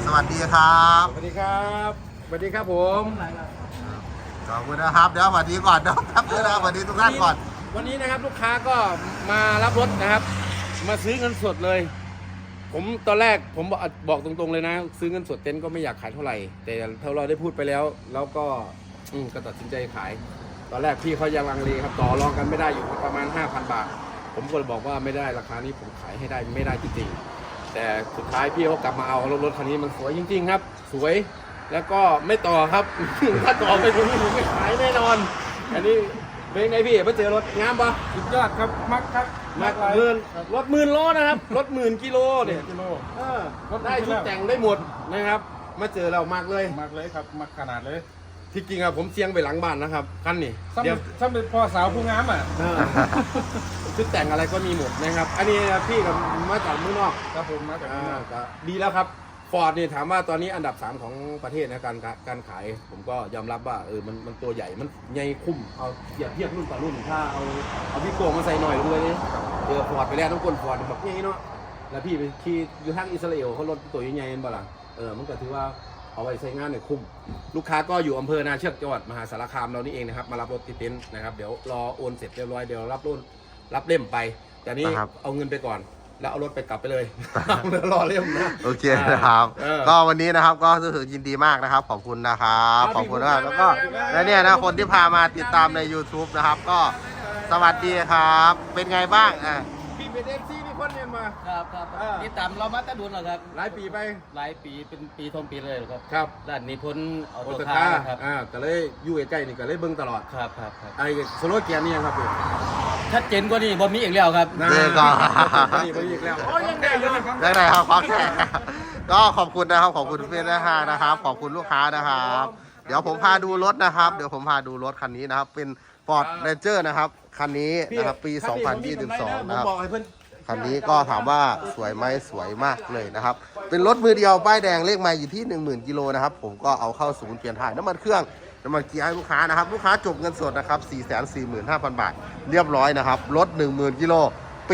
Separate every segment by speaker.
Speaker 1: วัสดีครับ
Speaker 2: สวัสดีครับสวัสดีครับผม
Speaker 1: ขอบคุณนะครับเดี๋ยวสวัสดีก่อนนะครับเดี๋ยวสวัสดีทุกท่านก่อน
Speaker 2: วันนี้นะครับลูกค้าก็มารับรถนะครับ มาซื้อเงินสดเลย ผมตอนแรกผมบอกตรงๆเลยนะ ซื้อเงินสดเต็นท์ก็ไม่อยากขายเท่าไหร่ แต่เราได้พูดไปแล้วก็ตัดสินใจขาย ตอนแรกพี่เขายังลังเลครับต่อรองกันไม่ได้อยู่ประมาณ 5,000 บาทผมก็เลยบอกว่าไม่ได้ราคานี้ผมขายให้ได้ไม่ได้จริงๆแต่สุดท้ายพี่เขากลับมาเอารถคันนี้มันสวยจริงๆครับสวยแล้วก็ไม่ต่อครับ ถ้าต่อไปตรงนี้ผมไม่ขายแน่นอนอันนี้เป็นไงพี่มาเจอรถงามปะ
Speaker 3: สุดยอดครับมักครับ
Speaker 2: มักหมื่นรถ10,000 โลนะครับรถ10,000 กิโลเนี่ย
Speaker 3: กิโล
Speaker 2: ได้ชุดแต่งได้หมดนะครับมาเจอเรามากเลย
Speaker 3: มักเลยครับมักขนาดเลย
Speaker 2: ที่จริงอะผมเสียงไปหลังบ้านนะครับคันนี้
Speaker 3: ซ้ำเป็นพ่อสาวผู้งามอ่ะ
Speaker 2: ชุดแต่งอะไรก็มีหมดนะครับ อันนี้พี่กับมาจากเมืองนอก
Speaker 3: ครับผมมาจากนี่นะ
Speaker 2: ก็ดีแล้วครับฟอร์ดนี่ถามว่าตอนนี้อันดับ 3 ของประเทศนะการขาย ผมก็ยอมรับว่ามันตัวใหญ่มันใหญ่คุ้มเอาเทียบรุ่นต่อรุ่นถ้าเอาพี่โกงมาใส่หน่อยเลยนี่ฟอร์ดไปแล้วต้องกลฟอร์ดแบบนี้เนาะแล้วพี่ไปขี่อยู่ทางอิสราเอลเขารถตัวใหญ่ๆบ้างมันก็ถือว่าเอาไปใช้งานเนี่ยคุ้มลูกค้าก็อยู่อำเภอนาเชือกจังหวัดมหาสารคามเรานี่เองนะครับมารับรถที่เต็นท์นะครับเดี๋ยวรอโอนเสร็จเรียบร้อยเดี๋ยวรับเล่มไปแต่นี้เอาเงินไปก่อนแล้วเอารถไปกลับไปเลยแล้วรอเล่มนะ
Speaker 1: โอเคนะครับก็วันนี้นะครับก็รู้สึกยินดีมากนะครับขอบคุณนะครับขอบคุณมากแล้วก็และเนี่ยนะคนที่พามาติดตามใน YouTube นะครับก็สวัสดีครับเป็นไงบ้าง
Speaker 2: พี่เป็นเอฟซีมีคนเรียนมา
Speaker 4: ครับนี่ตามเรามาตั้งดุนเหรอครับ
Speaker 2: หลายปีไป
Speaker 4: หลายปีเป็นปีทนปีเลยครับ
Speaker 2: ครับ
Speaker 4: ด้านนี้พ้นออ
Speaker 2: โอ
Speaker 4: โต้
Speaker 2: ต
Speaker 4: คา
Speaker 2: คา
Speaker 4: ร์ครับ
Speaker 2: ก็เลยอยู่ใกล้ๆนี่ก็เลยเบิ่งตลอด
Speaker 4: ครับ
Speaker 2: ไอ้โซโลเกียร์นี่ยังครับพี่
Speaker 4: ชัดเจนกว่านี้บอมีอีกแล้วครับ
Speaker 1: เจ๊ก็
Speaker 2: นี่ไปอีกแล้วโอ้ยังได้อยู่นะครับ
Speaker 1: ได้ไหนครับขอแขกก็ขอบคุณนะครับขอบคุณเพื่อนนะครับขอบคุณลูกค้านะครับเดี๋ยวผมพาดูรถนะครับเดี๋ยวผมพาดูรถคันนี้นะครับเป็น Ford Ranger นะครับคันนี้นะครับปี 2022 นะครับคันนี้ก็ถามว่าสวยไหมสวยมากเลยนะครับเป็นรถมือเดียวป้ายแดงเลขไมล์อยู่ที่ 10,000 กิโลนะครับผมก็เอาเข้าศูนย์เปลี่ยนถ่ายน้ำมันเครื่องน้ำมันเกียร์ให้ลูกค้านะครับลูกค้าจบเงินสดนะครับ 445,000 บาทเรียบร้อยนะครับรถ 10,000 กิโลปี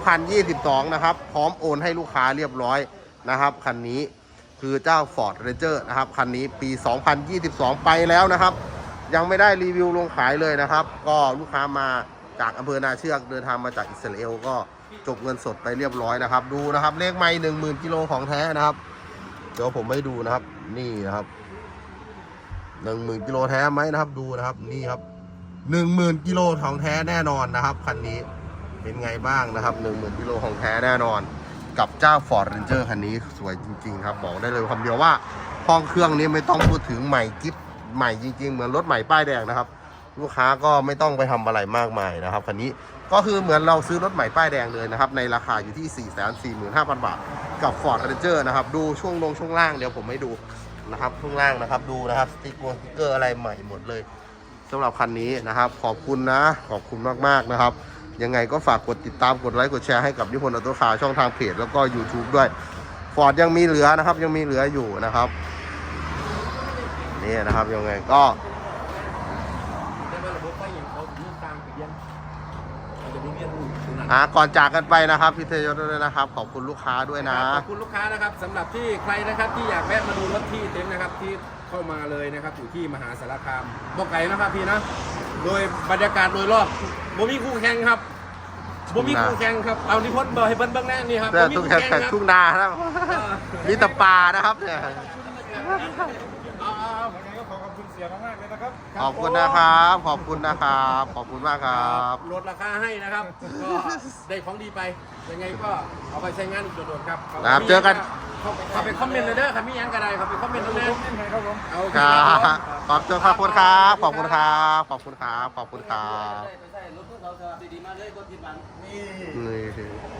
Speaker 1: 2022 นะครับพร้อมโอนให้ลูกค้าเรียบร้อยนะครับคันนี้คือเจ้า Ford Ranger นะครับคันนี้ปี 2022 ไปแล้วนะครับยังไม่ได้รีวิวลงขายเลยนะครับก็ลูกค้ามาจากอำเภอนาเชือกเดินทางมาจากอิสราเอลก็จบเงินสดไปเรียบร้อยนะครับดูนะครับเลขไมล์ 10,000 กิโลของแท้นะครับเดี๋ยวผมให้ดูนะครับนี่นะครับ 10,000 กิโลแท้ไหมนะครับดูนะครับนี่ครับ 10,000 กิโลของแท้แน่นอนนะครับคันนี้เป็นไงบ้างนะครับ 10,000 กิโลของแท้แน่นอนกับเจ้า Ford Ranger คันนี้สวยจริงๆครับบอกได้เลยคำเดียวว่าห้องเครื่องนี้ไม่ต้องพูดถึงใหม่กิ๊บใหม่จริงๆเหมือนรถใหม่ป้ายแดงนะครับลูกค้าก็ไม่ต้องไปทำอะไรมากมายนะครับคันนี้ก็คือเหมือนเราซื้อรถใหม่ป้ายแดงเลยนะครับในราคาอยู่ที่ 445,000 บาทกับ Ford Ranger นะครับดูช่วงล่างเดี๋ยวผมให้ดูนะครับช่วงล่างนะครับดูนะครับสติ๊กเกอร์อะไรใหม่หมดเลยสำหรับคันนี้นะครับขอบคุณนะขอบคุณมากๆนะครับยังไงก็ฝากกดติดตามกดไลค์กดแชร์ให้กับนิพนธ์ออโต้คาร์ช่องทางเพจแล้วก็ YouTube ด้วย Ford ยังมีเหลือนะครับยังมีเหลืออยู่นะครับนี่นะครับยังไงก็ก่อนจากกันไปนะครับพี่เทยศด้วยนะครับขอบคุณลูกค้าด้วยนะ
Speaker 2: ขอบคุณลูกค้านะครับสำหรับที่ใครนะครับที่อยากแวะมาดูรถที่เต็นท์นะครับที่เข้ามาเลยนะครับอยู่ที่มหาสารคามบอกไก่นะครับพี่นะโดยบรรยากาศโดยรอบบ่มีคู่แข่งครับบ่มีคู่แข่งครับเอานิพนธ์เบอร์ให้เบิ้งแน่นี่ครับบ่มีคู่แข่งครับ
Speaker 1: ทุ่งนาครับมีแต่ป่านะครับเนี่ย
Speaker 3: ขอบคุณเสียมากๆเลยนะครับ
Speaker 1: ขอบคุณนะครับขอบคุณนะครับขอบคุณมากครับ
Speaker 2: ลดราคาให้นะครับก็ได้ของดีไปยังไงก็เอาไปใช้งานอีกโดดๆครับ
Speaker 1: เจอกัน
Speaker 2: เขาไปคอมเมนต์เลยเด้อครับมียังกระไดเขาไปคอมเมนต์ตรงนั้น
Speaker 3: ครับผม
Speaker 1: ครับขอบคุณครับขอบคุณครับขอบคุณครับขอบคุณครับ
Speaker 4: ใช่รถพวกเราดีมากเลยคนผิดหวัง
Speaker 1: นี่